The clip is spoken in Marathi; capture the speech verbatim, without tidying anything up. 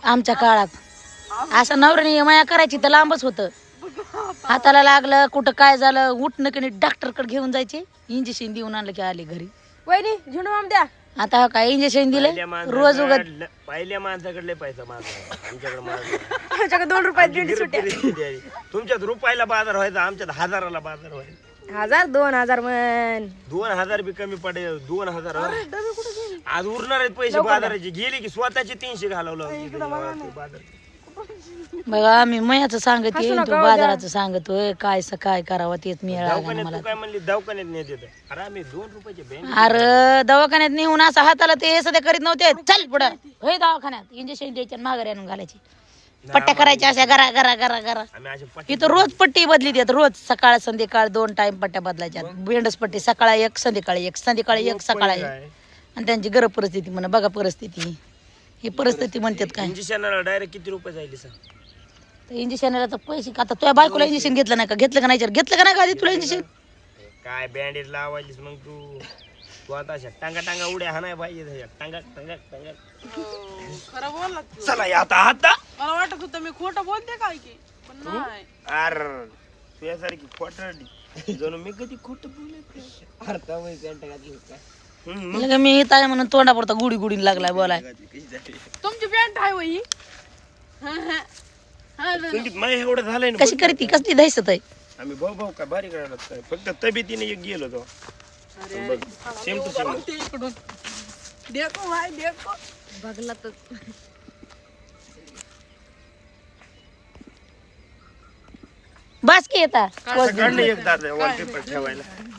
आमच्या काळात असं नवऱ्याने माया करायची तर लांबच होतं. हाताला लागलं कुठं काय झालं उठणं की डॉक्टरकडे घेऊन जायचे इंजेक्शन देऊन आणलं की आले घरी. वहिनी झुणू आम द्या. आता काय इंजेक्शन दिले रोज उगत पहिल्या माणसाकडले पैसा माझा आमच्याकडे माझा आमच्याकडे दोन रुपयात दीड सुट्ट्या. तुमच्यात रुपयाला बाजार व्हायचा आमच्यात हजाराला बाजार व्हायचा. हजार दोन हजार म्हण. दोन हजार बी कमी पडेल दोन हजार आज उरणार आहेत पैसे बाजाराचे गेले की स्वतःचे तीनशे घालवलं बाजार. बघा आम्ही मयाचं सांगते तू बाजाराचं सांगतोय काय स काय करावं तेच मिळालं मला. काय म्हणली दवाखान्यात नेत येत अरे आम्ही दोन रुपयाचे बँक अरे दवाखान्यात नेऊन असं हाताला ते सध्या करीत नव्हते. चल पुढं होय दवाखान्यात इंजेक्शन द्यायचे माघारी आणून घालायची पट्ट्या करायच्या अशा गरा गरा गरा गरा. इथं रोज पट्टी बदली देत रोज सकाळ संध्याकाळ दोन टाइम पट्ट्या बदलायच्या. बेंडस पट्टी सकाळी एक संध्याकाळी एक संध्याकाळी एक सकाळी एक. आणि त्यांची गरज परिस्थिती म्हणा बघा परिस्थिती ही परिस्थिती म्हणतात काय. इंजेक्शनाला डायरेक्ट किती रुपये जाईल सर इंजेक्शनला तर पैसे आता तुझ्या बायकोला इंजेक्शन घेतलं नाही का घेतलं का नाही घेतलं का नाही का आधी तुला इंजेक्शन काय बँडेज लावायलीस मग तू तू आता अशा टांगा टांगा उड्या हा नाही पाहिजे टांगा टांगा टांगा. खरं बोलला चला आता आता मला वाटत होतं मी खोटं बोलते काय की पण नाही. अर तुझ्यासारखी खोटरडी जणू मी कधी खोटं बोलत अर्धा वय पॅन्ट घातली काय लगे मी इथं आहे म्हणून तोंडापुरता गुडी गुडी लागलाय बोलाय. तुमची पॅन्ट आहे वही संगीत माय एवढं झालंय ना कशी करती कसली दहशत आहे. आम्ही भाऊ भाऊ काय बारीक राहणार काय फक्त तब्येतीने एक गेलो तो सेम टू सेम ते इकडून देखो भाई देखो बघला तर बास की येता काढलं एक दादा वॉलपेपर ठेवायला